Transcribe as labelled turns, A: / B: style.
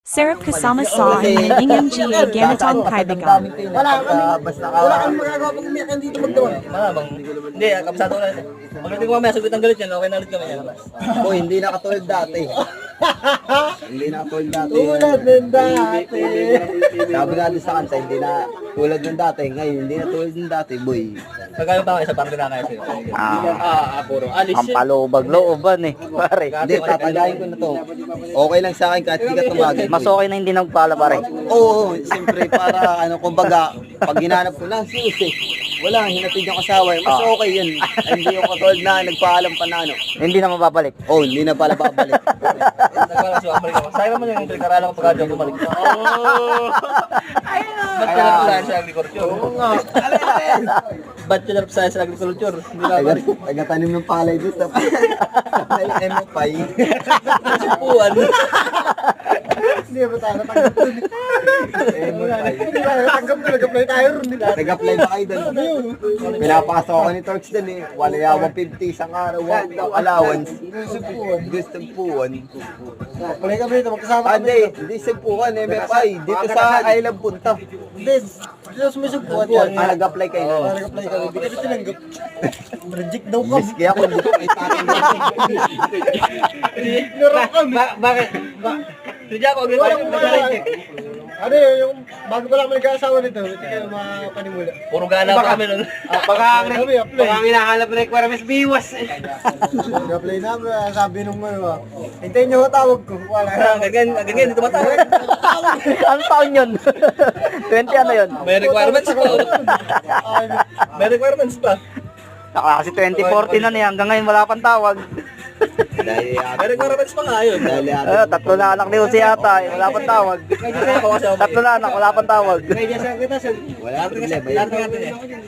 A: Sarap kasama sa hinihingang Gia ganitong kaibigan.
B: Wala kami magagawa pag umiyak yan dito magdawal.
C: Malamang. Hindi, kabisado ko na. Pagdating ko mamaya, sagot ang galit yan. Okay na ulit kami yan.
D: Boy, hindi na katulad dati. Hindi na katulad dati.
B: Tulad ng dati.
D: Sabi natin sa kanta, hindi na tulad ng dati. Ngayon, hindi na tulad ng dati, boy.
C: Pagkano pa isa parang dinakaya sa'yo.
E: Puro alis yun. Ang palubag-looban eh, pare.
D: Hindi, tatagayin ko na to. Okay lang sa akin kahit hindi ka tumagay.
E: Mas okay na hindi nagpala, pare.
D: Oo, siyempre para kumbaga, pag hinanap ko lang susi, wala, hinatid yung asawa. Mas okay yun. Hindi yung katulad na nagpaalam pa na ano.
E: Hindi na mababalik.
D: Oh, hindi na pala babalik.
C: Nagpala siya, bumalik ako. Sayang naman yung pinag-aralan ko pagkadyo bumalik. Ba't ka lang sa agriculture? Oo nga. Ba't ka lang sa agriculture? Hindi na balik.
D: Nagatanim ng palay doon sa palay MFI.
C: Supuan.
B: Hindi ba tayo natanggap doon? Hindi tayo natanggap doon. Nag-apply tayo ron nila.
D: Nag-apply ba kayo doon? Pinapasok ako ni Torx doon eh. Wala yawa 50 isang araw. Allowance. Gusto puwan.
B: Apply kami dito. Magkasama kami.
D: Hindi sugpuan MFI. Dito sa Island Punta.
B: Hindi. Dito sumisugpuan yan.
D: Nag-apply kayo doon.
B: Nag-apply kami. Hindi kami tinanggap. Reject daw kami.
D: Miski ako, hindi ko may tatanggap.
C: Bakit? Hindi ako agriculture.
B: Ano yun, yung bago pa lang kami nag-aasawa nito, hindi kayo mapanimula.
C: Puro gala pa kami nun.
B: Baka ang
E: hinahanap na requirements, biwas.
B: Nag-apply namin, sabi nung ano, hintayin niyo ho tawag ko. Wala.
C: Ganyan, dito matawag.
E: Anong taon yun? 20 ano yun?
C: May requirements pa. May requirements pa.
E: Kasi 2014 na niya, hanggang ngayon wala pang tawag.
D: Dahil
C: May requirements pa nga yun.
E: Tatlo na anak ni Jose yata, wala pang tawag.
C: Ako kasi
E: Tatlo na anak, wala pang tawag.
D: wala problema.
C: Lahat natin eh.